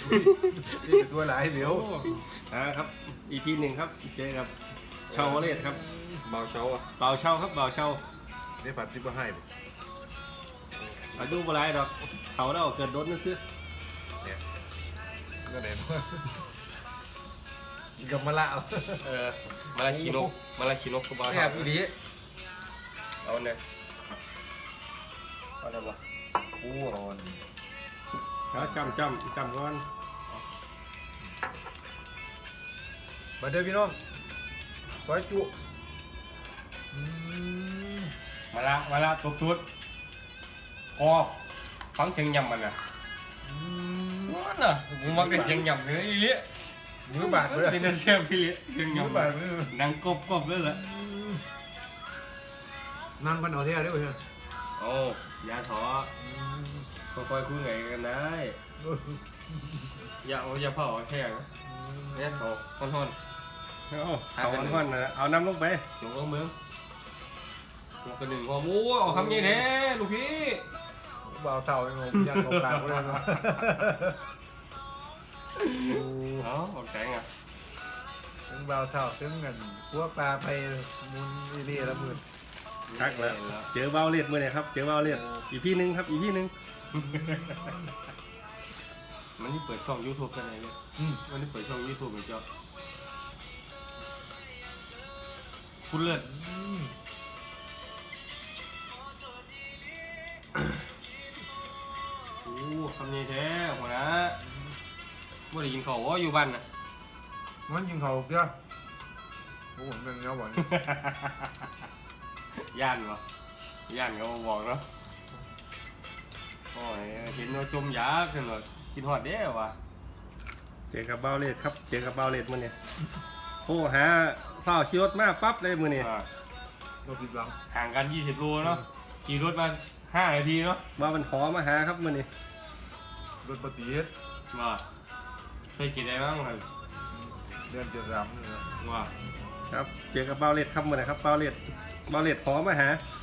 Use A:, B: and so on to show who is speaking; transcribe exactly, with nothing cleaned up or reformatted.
A: นี่เป็นตัวหลายเดี๋ยว
B: อ่าครับ อี พี หนึ่งครับเจอกับชาวเลศครับ
C: เบาเช้าอ่ะ
B: เบาเช่าครับเบาเช่า
A: ได้ผัดซิบะให้
B: อายุบ่ไรดอกเขาแล้วเกิดโดนนั่นซื้อ
A: เนี่ยก็ไหนว่ากับมะละ
C: เออมาลาชิโนกมาลาชิโนกก็เบา
A: แซ่
C: เช้า
A: บอีหลี
C: เอาเนี่ยเอาได้ปะอู้เอาอัน
B: แล้วจำจำจำก่อน
A: มาเด้อพี่น้องซอยจุ
C: มาละมาละตุ๊ดตุ๊ดพอฟังเสียงยำมันอ่ะว้าน่ะผมมักได้เสียงยำเลยอีเลี้ย
A: มือบาดเลย
C: เป็นแต่เสียงพี่เลี้ยเสียง
A: มือย
C: ำ
A: บาดมือ
C: นังกบกบเลยแหละ
A: นั่งกันเอาเท่าได้ไหมเพื่อน
C: โอ้ยาถอค่อยๆคุยไงกันได้อย่าเอาอย่าเผาแข็งเนี่ยถอทอนทอน
B: เอาเอาก่อนนะเอาน้ำลงไป
C: ลงลงเมืองลงกระหนึ่งหัวหมูเอาคำนี้แน่ลูกพี่
A: เบาเท่าไอ้งงยันของกลางก็ได้เนาะ
C: เอาออกแข็งอ่ะ
A: ถึงเบาเท่าถึงเงินพวกปลาไปมุนอีเรียละหมื่น
B: ทักแล้วเจอเบาเลศมื่อไหร่ครับเจอเบาเลศอีพีหนึ่งครับอีพีหนึ่ง
C: มันนี่เปิดช่อง YouTube กันไหนเนี่ยมันนี่เปิดช่อง YouTube เหมือนเจ้าคุณเลิศโอ้คำนี้แท้หัวนะไม่ได้ยินเขาว่าอยู่บ้านนะ
A: มันยิงเขาเยอะโอ้โหเป็นเนื้อหวาน
C: ย่านวะย่านเขาบอกเนาะโอ้ยเห็นว่าจมยาขึ้นเลยกินหอดเด้อวะ
B: เจอกับเบาเลศครับเจอกับเบาเลศมื่อนี้โทรหาเฝ้าขี่รถมาปั๊บเลยมื่อนี้
C: อ่า
A: ตัวผิดหวัง
C: ห่างกันยี่สิบโลเนาะขี่รถมาห้านาทีเนาะ
B: มาเป็นขอมาหาครับมื่อนี้
A: รถปฏิเฮ็ด
C: ว่าเคยกินได้บ้างครับ
A: เดือนเจ็ดสามนี่นะ
C: ว่า
B: ครับเจอกับเบาเลศครับมื่อไหร่ครับเบาเลศเบาเลศขอมาหา
C: อ